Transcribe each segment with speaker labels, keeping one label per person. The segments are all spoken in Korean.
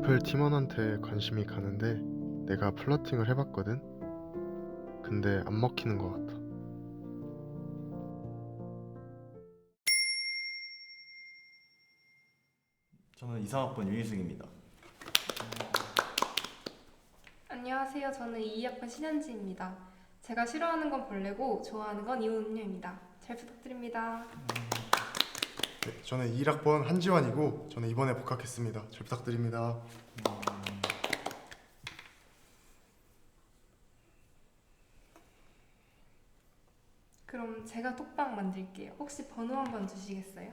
Speaker 1: 마플 팀원한테 관심이 가는데 내가 플러팅을 해봤거든? 근데 안 먹히는 것 같아.
Speaker 2: 저는 이상학번 유희승입니다.
Speaker 3: 안녕하세요. 저는 2학번 신현지입니다. 제가 싫어하는 건 벌레고 좋아하는 건 이온 음료입니다. 잘 부탁드립니다.
Speaker 4: 네, 저는 1학번 한지환이고 저는 이번에 복학했습니다. 잘 부탁드립니다.
Speaker 3: 그럼 제가 톡방 만들게요. 혹시 번호 한번 주시겠어요?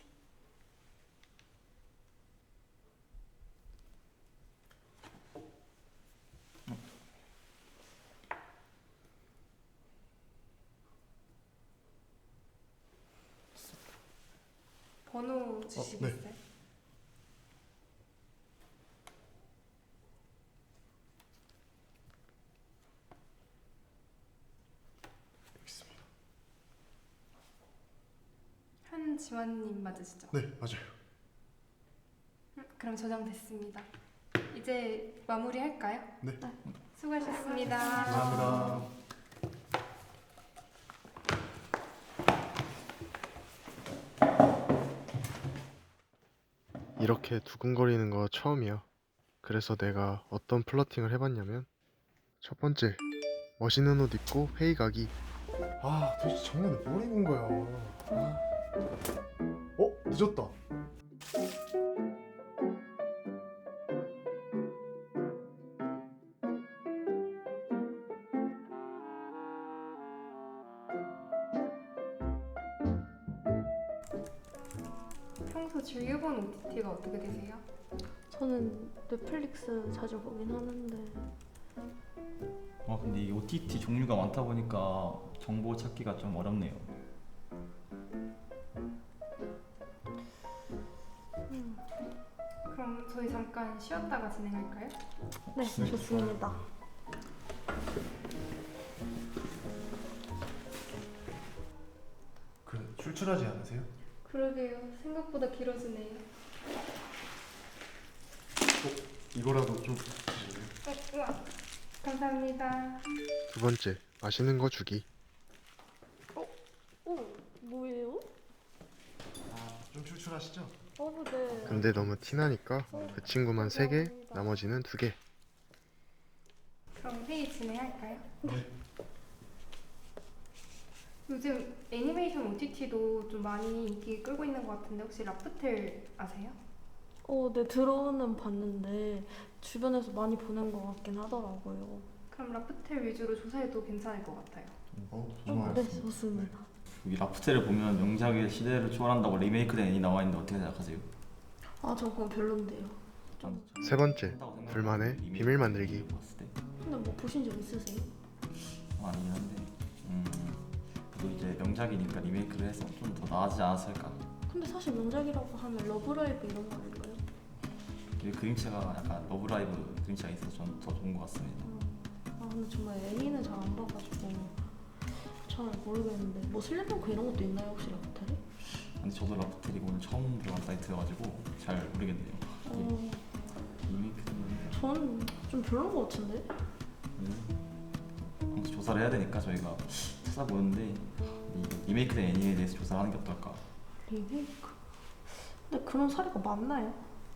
Speaker 3: 번호 주시겠어요?
Speaker 4: 네. 여기 있습니다.
Speaker 3: 한지환님 맞으시죠?
Speaker 4: 네, 맞아요.
Speaker 3: 그럼 저장됐습니다. 이제 마무리할까요?
Speaker 4: 네.
Speaker 3: 수고하셨습니다.
Speaker 4: 감사합니다.
Speaker 1: 이렇게 두근거리는 거 처음이야. 그래서 내가 어떤 플러팅을 해봤냐면 첫 번째, 멋있는 옷 입고 회의 가기.
Speaker 4: 아, 도대체 작년에 뭘 입은 거야? 아. 늦었다.
Speaker 3: 평소 즐겨보는 OTT가 어떻게 되세요?
Speaker 5: 저는 넷플릭스 자주 보긴 하는데
Speaker 2: 근데 이 OTT 종류가 많다 보니까 정보 찾기가 좀 어렵네요.
Speaker 3: 그럼 저희 잠깐 쉬었다가 진행할까요?
Speaker 5: 네, 좋습니다.
Speaker 4: 출출하지 않으세요?
Speaker 3: 그러게요. 생각보다 길어지네요.
Speaker 4: 이거라도 좀 드실래요?
Speaker 3: 우와. 감사합니다.
Speaker 1: 두 번째, 맛있는 거 주기.
Speaker 5: 오, 뭐예요?
Speaker 4: 좀 출출하시죠?
Speaker 5: 네.
Speaker 1: 근데 너무 티나니까 그 친구만 3개, 나머지는 2개.
Speaker 3: 그럼 회의 진행할까요?
Speaker 4: 네.
Speaker 3: 요즘 애니메이션 OTT도 좀 많이 인기 끌고 있는 것 같은데 혹시 라프텔 아세요?
Speaker 5: 네, 들어는 봤는데 주변에서 많이 보는 것 같긴 하더라고요.
Speaker 3: 그럼 라프텔 위주로 조사해도 괜찮을 것 같아요.
Speaker 4: 좋아요.
Speaker 5: 네, 좋습니다.
Speaker 2: 여기 라프텔을 보면 명작의 시대를 초월한다고 리메이크된 애니 나와 있는데 어떻게 생각하세요?
Speaker 5: 저 그건 별론데요.
Speaker 1: 세 번째, 둘만의 비밀 만들기.
Speaker 2: 봤을 때
Speaker 5: 근데 뭐 보신 적 있으세요?
Speaker 2: 아니긴 한데 그래도 이제 명작이니까 리메이크를 해서 좀 더 나아지지 않았을까.
Speaker 5: 근데 사실 명작이라고 하면 러브라이브 이런 거 아닌가요?
Speaker 2: 이 그림체가 약간 러브라이브 그림체가 있어서 좀 더 좋은 것 같습니다.
Speaker 5: 근데 정말 애니는 잘 안 봐가지고 잘 모르겠는데 뭐 슬램덩크 이런 것도 있나요 혹시 라프텔에?
Speaker 2: 근데 저도 라프텔이 오늘 처음 들어간 사이트여가지고 잘 모르겠네요. 리메이크는
Speaker 5: 저는 좀 별론 것 같은데?
Speaker 2: 아무튼 조사를 해야 되니까 저희가 찾아보는데 이 리메이크된 애니에 대해서 조사를 하는 게 어떨까.
Speaker 5: 리메이크? 근데 그런 사례가 많나요?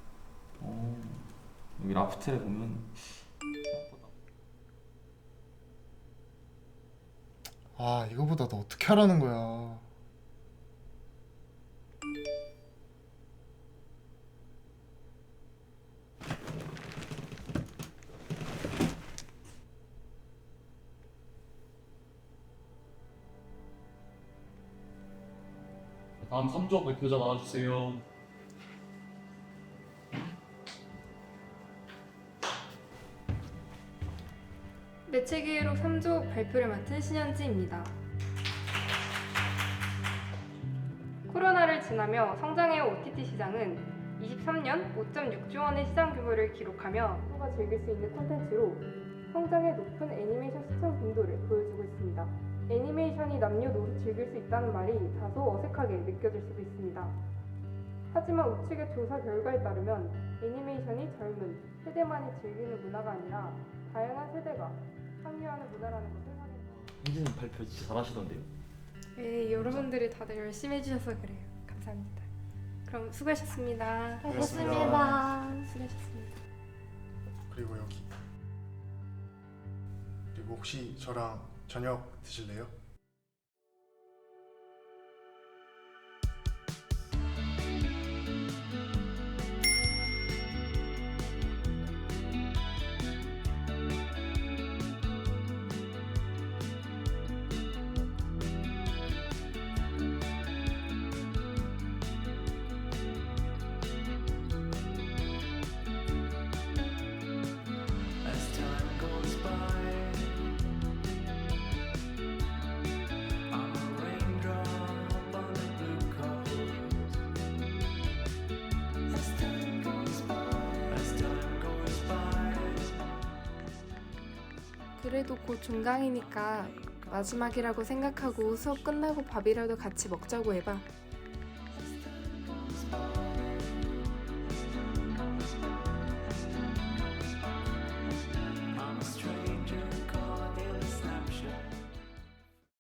Speaker 2: 여기 라프텔에 보면
Speaker 4: 이거보다 너 어떻게 하라는 거야?
Speaker 6: 다음 3조 발표자 나와주세요.
Speaker 3: 매체기록 3조 발표를 맡은 신현지입니다. 코로나를 지나며 성장해온 OTT 시장은 23년 5.6조 원의 시장 규모를 기록하며 모두가 즐길 수 있는 콘텐츠로 성장의 높은 애니메이션 시청 빈도를 보여주고 있습니다. 애니메이션이 남녀노소 즐길 수 있다는 말이 다소 어색하게 느껴질 수도 있습니다. 하지만 우측의 조사 결과에 따르면 애니메이션이 젊은 세대만이 즐기는 문화가 아니라 다양한 세대가 참여하는 문화라는 것을 확인했습니다.
Speaker 2: 현진님 발표 진짜 잘하시던데요.
Speaker 3: 네, 여러분들이 다들 열심히 해주셔서 그래요. 감사합니다. 그럼 수고하셨습니다.
Speaker 5: 알겠습니다.
Speaker 3: 수고하셨습니다.
Speaker 4: 그리고 여기. 그리고 혹시 저랑 저녁 드실래요?
Speaker 7: As time goes by, I'm a raindrop on the blue coast. As time goes by, as time goes by.
Speaker 3: 그래도 곧 종강이니까 마지막이라고 생각하고 수업 끝나고 밥이라도 같이 먹자고 해봐.